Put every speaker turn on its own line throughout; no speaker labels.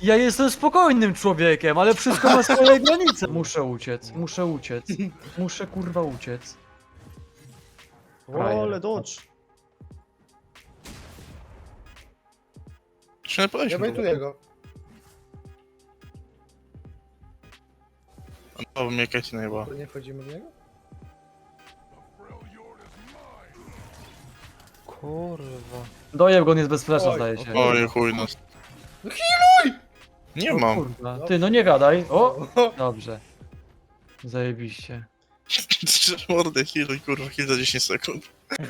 Ja jestem spokojnym człowiekiem, ale wszystko ma swoje granice. Muszę uciec, muszę uciec. Muszę kurwa uciec.
O, ale dodge.
Czy nie
Ja
powiedzmy?
bejtuję go.
No, mnie Katie najeba.
To nie wchodzimy w niego?
Kurwa.
Dojeb go, on jest bez flesza,
Oj,
zdaje się.
Oj, chuj no.
No healuj!
Nie
O
mam.
kurwa. Ty, no nie gadaj. O! Dobrze. Zajebiście.
Mordę, healuj, kurwa, heal za 10 sekund.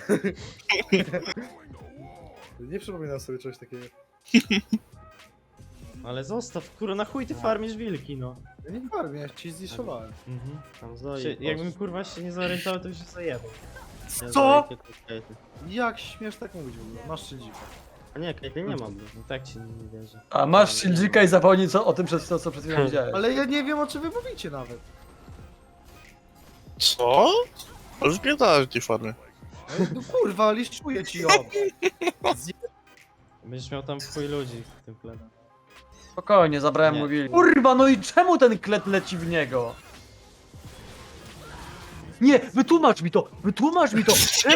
Nie przypominam sobie czegoś takiego.
Ale zostaw, kurwa, na chuj ty farmisz wilki, no.
Ja nie farmię, ja ci zniszowałem.
Tam jakbym kurwa się nie zorientował, to by się zajebał.
Co? Jak śmiesz tak mówić w ogóle? Masz szyldzika.
A nie, Kajty nie mam, no tak ci nie wierzę.
A masz sildzika i zapomnij o tym, co przed chwilą widziałeś.
Ale ja nie wiem, o czym wy mówicie nawet.
Co? Ale wpierdalać tej farmy.
No kurwa, liszczuję ci ją.
Będziesz miał tam w chuj ludzi w tym plebie.
Spokojnie, zabrałem
Nie.
mu wilk. Kurwa, no i czemu ten klet leci w niego? Nie, wytłumacz mi to! Wytłumacz mi to!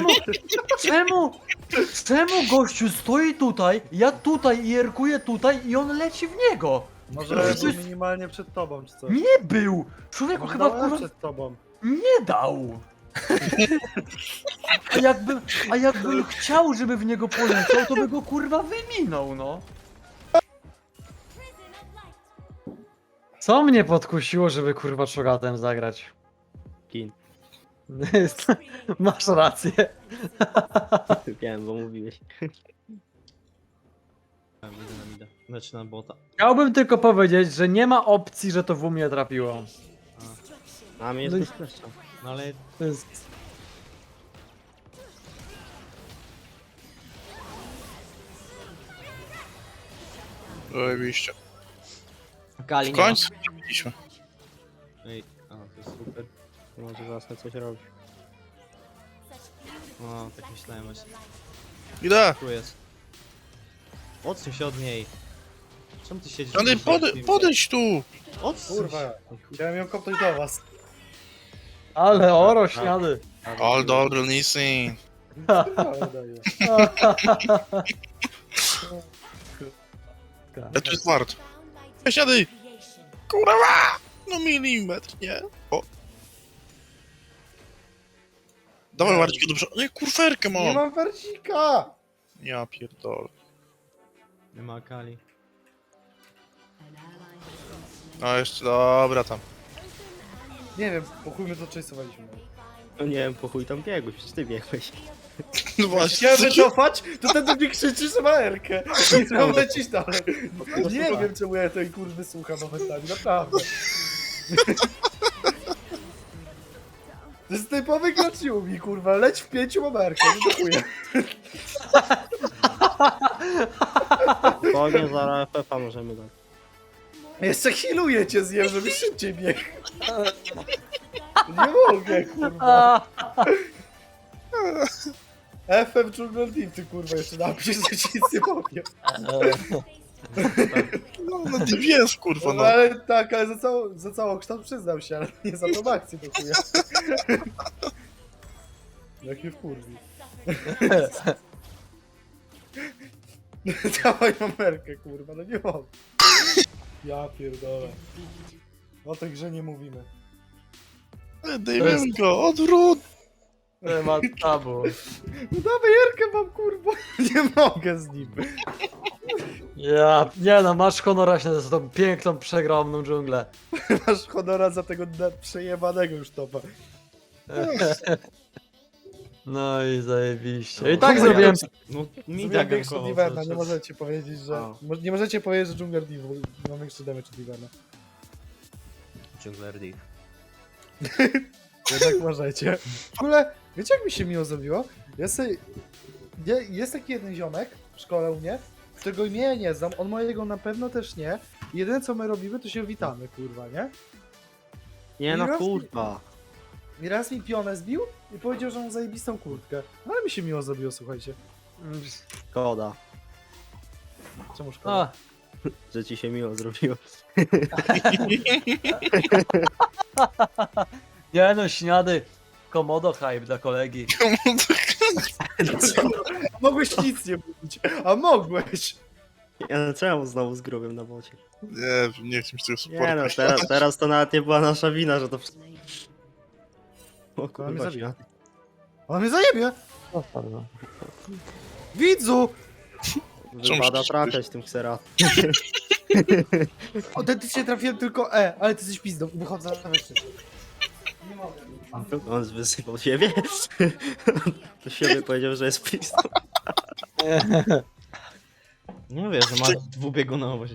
Czemu gościu stoi tutaj, ja tutaj i jerkuję tutaj i on leci w niego?
Może
Przecież-
był minimalnie przed tobą, czy coś.
Nie był! Człowieku
Może
chyba
dałem
kurwa
przed tobą.
nie dał! A jakbym chciał, żeby w niego poleciał, to by go kurwa wyminął, no. Co mnie podkusiło, żeby kurwa czogatem zagrać?
Kin.
Masz rację.
Wiem, bo mówiłeś. Idę na mida. Znaczy na bota.
Chciałbym tylko powiedzieć, że nie ma opcji, że to w mnie trafiło.
A mnie jest
No i-
bez kleszcza. No ale
To jest...
Zajebiście.
Kali
W
nie ma.
końcu zrobiliśmy.
Ej, a to jest super. To może zacznę coś robić. O, tak myślałem właśnie.
Idę!
Tu jest. Odsuń się od niej. Czemu ty siedzisz?
Johnny, podejdź tu!
Odsuń
Kurwa,
się.
chciałem ją kopnąć do was.
Ale oro śniady.
All dobry, listen.
Ale daję.
Ja tu jest wart. Siadaj! Kurwa! No milimetr, nie? O. Dawaj Marcika dobrze. Nie, kurferkę
Nie
mam!
mam warcika!
Ja pierdolę.
Nie ma Kali.
No jeszcze, dobra tam.
Nie wiem, po chuj my to chase'owaliśmy.
No nie wiem, po chuj tam biegłeś, przecież ty biegłeś.
No właśnie,
Chciałem wycofać, to ten do mnie krzyczy, że ma Erkę. I mam lecieć dalej. Nie wiem, czemu ja tej kurwy słucham momentami, naprawdę. To jest typowy gracz mi, kurwa. Leć w 5, mam Erkę, nie dziękuję.
Spokojnie, zaraz FF-a możemy dać.
Jeszcze healuję cię zjem, żeby szybciej biegł. Nie mogę, kurwa. FM Jungle Team, ty kurwa jeszcze napisz, że ci nic nie powiem.
no DBS kurwa
No
no.
ale tak, ale za całą kształt przyznał się, ale nie za tą akcję do chuja. Jak mnie wkurwi. Dawaj numerkę, kurwa, no nie mogę. Ja pierdolę. O tej grze nie mówimy.
Dajmy go, odwrót!
Temat tabu.
No dawaj Jerkę mam, kurwa. Nie mogę z nim.
Ja, nie no, masz honora się za tą piękną, przegromną dżunglę.
Masz honora za tego przejebanego już topa.
No i zajebiście. I tak zrobiłem...
No, mi
Zrobiłem
tak
większy od
gankował
Iverna,
cały
nie
czas.
możecie powiedzieć, że...
A.
Nie możecie powiedzieć, że Jungler Div ma większy damage od Iverna.
Jungler Div.
Jednak możecie. W ogóle, wiecie jak mi się miło zrobiło? Jest taki jeden ziomek w szkole u mnie, którego imienia nie znam, on mojego na pewno też nie. Jedyne co my robimy, to się witamy, kurwa, nie?
Nie no
Raz-
kurwa.
I raz mi pionę zbił i powiedział, że mam zajebistą kurtkę. No ale mi się miło zrobiło, słuchajcie.
Szkoda.
Czemu szkoda?
A,
że ci się miło zrobiło.
Nie no, śniady. Komodo hype dla kolegi.
Mogłeś nic nie mówić, a mogłeś.
Ja no czemu znowu z grubym na bocie?
Nie chcę mi tego
Nie no,
supporta.
teraz to nawet nie była nasza wina, że to... O
mnie
kurwa,
zabija.
śniady.
On mnie zajebie. Widzu!
Wypada
musisz
trafiać tym ksera.
Autentycznie trafiłem tylko E, ale ty jesteś pizdą. Wychodzę na wyższy. Nie mogę.
On wysypał siebie? To siebie powiedział, że jest pistol.
Nie mówię, że masz dwubiegunowość.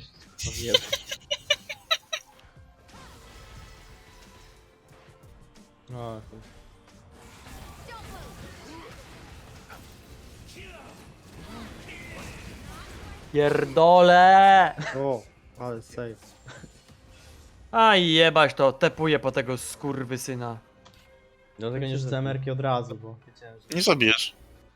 O, chuj.
Pierdole!
O, ale save.
Aj jebać to, tepuję po tego skurwysyna.
Dlatego nie rzucę emerki od razu, bo wiedziałem, że...
Nie zabijesz.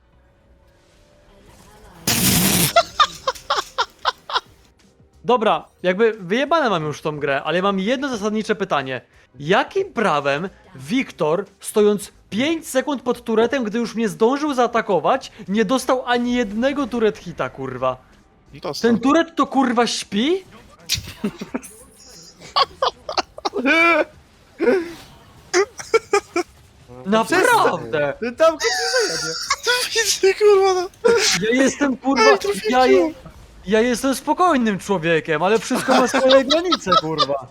Dobra, jakby wyjebane mam już tą grę, ale mam jedno zasadnicze pytanie. Jakim prawem Wiktor, stojąc 5 sekund pod turetem, gdy już mnie zdążył zaatakować, nie dostał ani jednego turet hita, kurwa?
Dostał.
Ten turet to kurwa śpi? Naprawdę!
Ten tam go nie zajebie.
Widzę, kurwa, no.
Ja jestem kurwa. Ja jestem spokojnym człowiekiem, ale wszystko ma swoje granice, kurwa.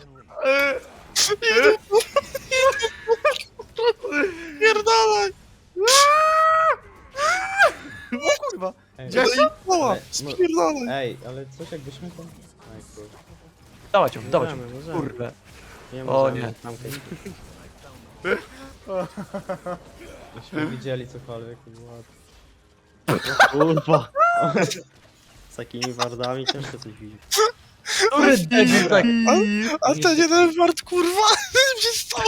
Pierdalaj!
O kurwa.
Ej,
Gdzie-
Koła!
Ale-
Spierdalaj!
ej, ale coś jakbyśmy tam... Aj, kurwa.
Dawać ją, dawać ją.
Możemy.
Kurwa.
Nie
O,
możemy,
nie.
tam ktoś-
Myśmy widzieli cokolwiek i było...
Kurwa. Z takimi wardami ciężko coś widzieć.
Który debil tak.
A ten jeden wart, kurwa! Mnie stał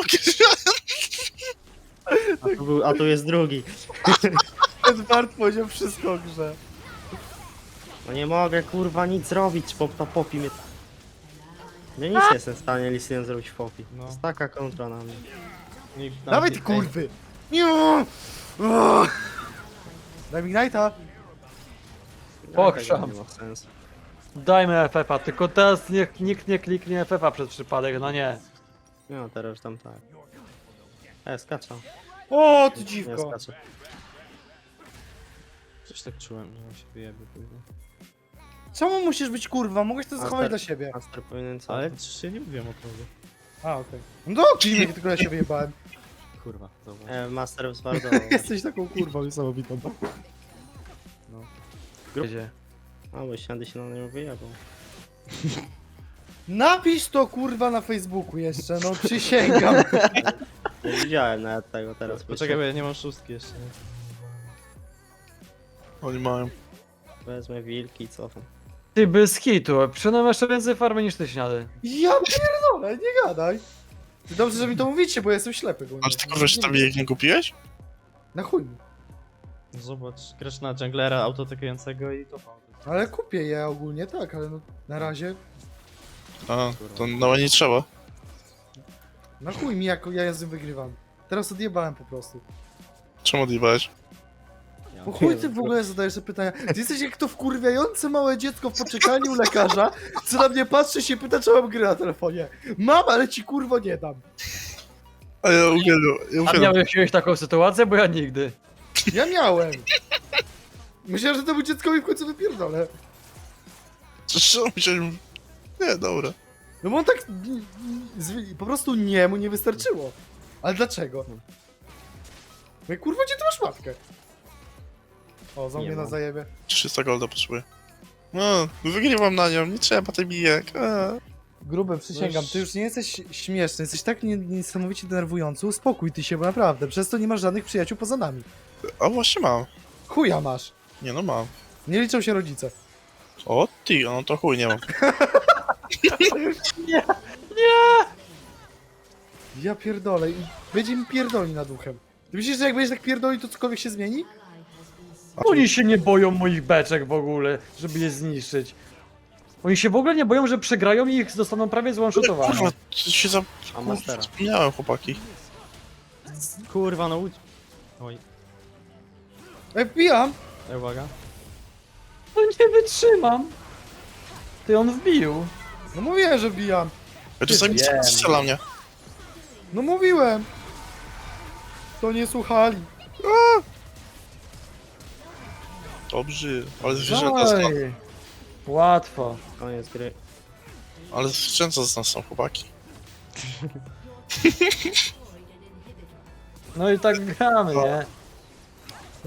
A tu jest drugi.
Ten Bart powiedział wszystko o grze.
No nie mogę kurwa nic zrobić, popi mnie. Ja nic nie jestem w stanie Lisinem zrobić w popi.
No.
To jest taka kontra na mnie.
Nikt
Dawaj ty kurwy! Nie! O! Daj mi Ignite'a!
Pokrzam.
Nie ma sensu.
Dajmy FF-a, tylko teraz niech nikt nie kliknie FF-a przez przypadek, no nie.
No teraz już tam tak. Skaczę.
O, ty
Nie
dziwko!
skaczę.
Coś tak czułem, że on się wyjebie później.
Czemu musisz być kurwa? Mogłeś to zachować dla siebie.
Master powinien co?
Ale przecież ja nie mówiłem o tobie.
A, okej. No kliniek, tylko ja się wyjebałem.
Kurwa, zobacz.
Master zwardował.
Jesteś taką kurwą niesamowitą.
Gdzie?
A bo śniady się na nią wyjebał.
Napisz to kurwa na Facebooku jeszcze, no przysięgam.
Nie widziałem nawet tego teraz.
Poczekaj, bo ja nie mam szóstki jeszcze. Nie?
Oni mają.
Wezmę wilki i cofam.
Ty bez hitu, przynajmniej jeszcze więcej farmy niż ty śniady.
Ja pierdolę, nie gadaj. Dobrze, że mi to mówicie, bo ja jestem ślepy. Bo
Aż tylko wiesz, tam jak nie kupiłeś?
Na chuj mi.
Zobacz, grasz na junglera autotakującego i to
Ale kupię je ogólnie tak, ale no na razie
A, to nawet nie trzeba.
na chuj mi jak ja z tym wygrywam. Teraz odjebałem po prostu.
Czemu odjebałeś?
Po chuj ty w ogóle zadajesz te pytania. Ty jesteś jak to wkurwiające małe dziecko w poczekalni u lekarza, co na mnie patrzy się pyta, czy mam gry na telefonie. Mam, ale ci kurwo nie dam.
A ja uwielbiam, ja
A
uwielbiam.
miałeś kiedyś taką sytuację? Bo ja nigdy.
Ja miałem. Myślałem, że temu dzieckowi w końcu wypierdolę.
Co myślałem? Nie, dobra.
No bo on tak po prostu nie, mu nie wystarczyło. Ale dlaczego? No kurwa, gdzie ty masz matkę? O, za
Nie
mnie na
mam.
zajebie.
300 golda potrzebuję. No, wygrywam na nią, nie trzeba tej bijek.
Grube, przysięgam, ty już nie jesteś śmieszny, jesteś tak niesamowicie denerwujący, uspokój ty się, bo naprawdę, przez to nie masz żadnych przyjaciół poza nami.
A właśnie mam.
Chuja masz.
Nie no mam.
Nie liczą się rodzice.
O ty, no to chuj nie mam.
Ja pierdolę i będzie mi pierdoli nad uchem. Ty myślisz, że jak będziesz tak pierdoli, to cokolwiek się zmieni?
Oni się nie boją moich beczek w ogóle, żeby je zniszczyć. Oni się w ogóle nie boją, że przegrają i ich zostaną prawie zone-shotowane.
Kurwa, się za...
A Mastera.
Wspomniałem, chłopaki.
Kurwa, no Oj,
Wbijam.
uwaga.
No nie wytrzymam. Ty, on wbił.
No mówiłem, że wbijam.
Ja czasami
Wiem.
strzela mnie.
No mówiłem. To nie słuchali.
Dobrze, ale zwierzęta z nas,
Oj. Łatwo.
Koniec gry.
ale zwierzęta z nas są, chłopaki.
No i tak gramy, nie?